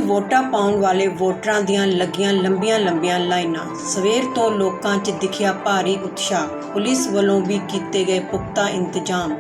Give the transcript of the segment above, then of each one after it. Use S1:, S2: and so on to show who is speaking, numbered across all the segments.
S1: ਵੋਟਾਂ ਪਾਉਣ ਵਾਲੇ ਵੋਟਰਾਂ ਦੀਆਂ ਲੱਗੀਆਂ ਲੰਬੀਆਂ ਲਾਈਨਾਂ। ਸਵੇਰ ਤੋਂ ਲੋਕਾਂ 'ਚ ਦਿਖਿਆ ਭਾਰੀ ਉਤਸ਼ਾਹ। ਪੁਲਿਸ ਵੱਲੋਂ ਵੀ ਕੀਤੇ ਗਏ ਪੁਖਤਾ ਇੰਤਜ਼ਾਮ।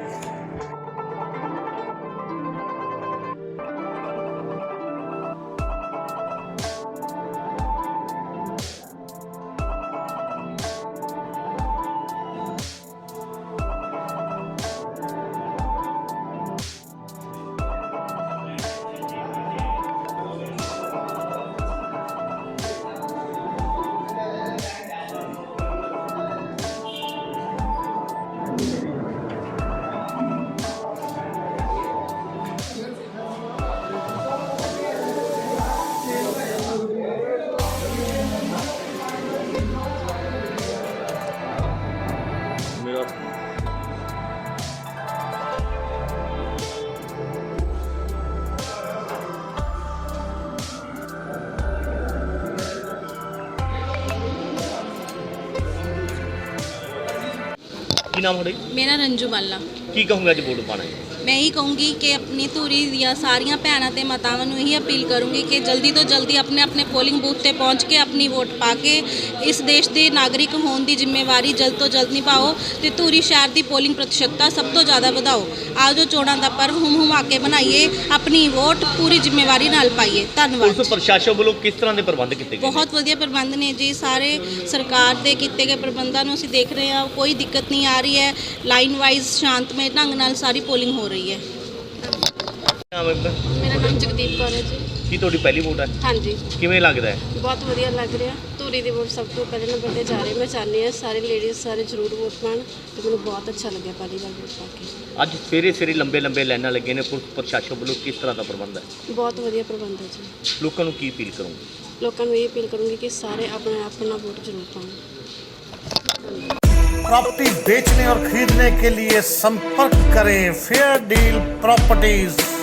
S2: ਕੀ ਨਾਮ ਹੈ?
S3: मेरा रंजू बाला।
S2: ਕੀ ਕਹੂੰਗਾ ਅੱਜ ਵੋਟ ਪਾਣਾ ਹੈ?
S3: मैं यही कहूँगी कि अपनी धूरी ਦੀਆਂ ਸਾਰੀਆਂ ਭੈਣਾਂ ਤੇ ਮਾਤਾਵਾਂ ਨੂੰ ਇਹੀ ਅਪੀਲ ਕਰੂੰਗੀ ਕਿ ਜਲਦੀ ਤੋਂ ਜਲਦੀ ਆਪਣੇ ਪੋਲਿੰਗ ਬੂਥ ਤੇ ਪਹੁੰਚ ਕੇ ਆਪਣੀ ਵੋਟ ਪਾ ਕੇ ਇਸ ਦੇਸ਼ ਦੇ ਨਾਗਰਿਕ ਹੋਣ ਦੀ ਜ਼ਿੰਮੇਵਾਰੀ ਜਲਦ ਤੋਂ ਜਲਦ ਨਿਭਾਓ ਤੇ ਧੂਰੀ ਸ਼ਹਿਰ ਦੀ ਪੋਲਿੰਗ ਪ੍ਰਤੀਸ਼ਤਤਾ ਸਭ ਤੋਂ ਜ਼ਿਆਦਾ ਵਧਾਓ। ਆਓ ਜੋ ਚੋਣਾਂ ਦਾ ਪਰਵ ਹੁਮਾ ਕੇ ਬਣਾਈਏ, ਆਪਣੀ ਵੋਟ ਪੂਰੀ ਜ਼ਿੰਮੇਵਾਰੀ ਨਾਲ ਪਾਈਏ। ਧੰਨਵਾਦ।
S2: ਪੁਲਿਸ ਪ੍ਰਸ਼ਾਸਨ ਵੱਲੋਂ ਕਿਸ ਤਰ੍ਹਾਂ ਦੇ ਪ੍ਰਬੰਧ ਕੀਤੇ ਗਏ?
S3: ਬਹੁਤ ਵਧੀਆ ਪ੍ਰਬੰਧ ਨੇ ਜੀ। ਸਾਰੇ ਸਰਕਾਰ ਦੇ ਕੀਤੇ ਗਏ ਪ੍ਰਬੰਧਾਂ ਨੂੰ ਅਸੀਂ ਦੇਖ ਰਹੇ ਹਾਂ, ਕੋਈ ਦਿੱਕਤ ਨਹੀਂ ਆ ਰਹੀ ਹੈ। ਲਾਈਨ ਵਾਈਜ਼ ਸ਼ਾਂਤਮਈ ਢੰਗ ਨਾਲ ਸਾਰੀ ਪੋਲਿੰਗ ਹੋ ਰਹੀ ਹੈ।
S4: ਮੇਰਾ ਨਾਮ ਜਗਦੀਪ ਕੌਰ ਹੈ ਜੀ।
S2: ਕੀ ਤੁਹਾਡੀ ਪਹਿਲੀ ਵੋਟ ਹੈ?
S4: ਹਾਂਜੀ,
S2: ਕਿਵੇਂ ਲੱਗਦਾ ਹੈ?
S4: ਬਹੁਤ ਵਧੀਆ ਲੱਗ ਰਿਹਾ। ਧੂਰੀ ਦੀ ਵੋਟ ਸਭ ਤੋਂ ਪਹਿਲੇ ਨੰਬਰ ਤੇ ਜਾ ਰਹੀ। ਮੈਂ ਚਾਹੁੰਦੀ ਹਾਂ ਸਾਰੇ ਲੇਡੀਜ਼ ਸਾਰੇ ਜ਼ਰੂਰ ਵੋਟ ਪਾਉਣ ਤੇ ਮੈਨੂੰ ਬਹੁਤ ਅੱਛਾ ਲੱਗਿਆ ਪਹਿਲੀ ਵਾਰ ਵੋਟ ਪਾ ਕੇ।
S2: ਅੱਜ ਸਵੇਰੇ ਲੰਬੇ ਲਾਈਨਾਂ ਲੱਗੇ ਨੇ। ਪੁਲਿਸ ਪ੍ਰਸ਼ਾਸਨ ਵੱਲੋਂ ਕਿਸ ਤਰ੍ਹਾਂ ਦਾ ਪ੍ਰਬੰਧ ਹੈ?
S4: ਬਹੁਤ ਵਧੀਆ ਪ੍ਰਬੰਧ ਹੈ ਜੀ।
S2: ਲੋਕਾਂ ਨੂੰ ਕੀ ਅਪੀਲ ਕਰੂੰਗੇ?
S4: ਲੋਕਾਂ ਨੂੰ ਇਹ ਅਪੀਲ ਕਰੂੰਗੀ ਕਿ ਸਾਰੇ ਆਪਣਾ ਵੋਟ ਜ਼ਰੂਰ ਪਾਉਣ।
S5: प्रॉपर्टी बेचने और खरीदने के लिए संपर्क करें फेयर डील प्रॉपर्टीज।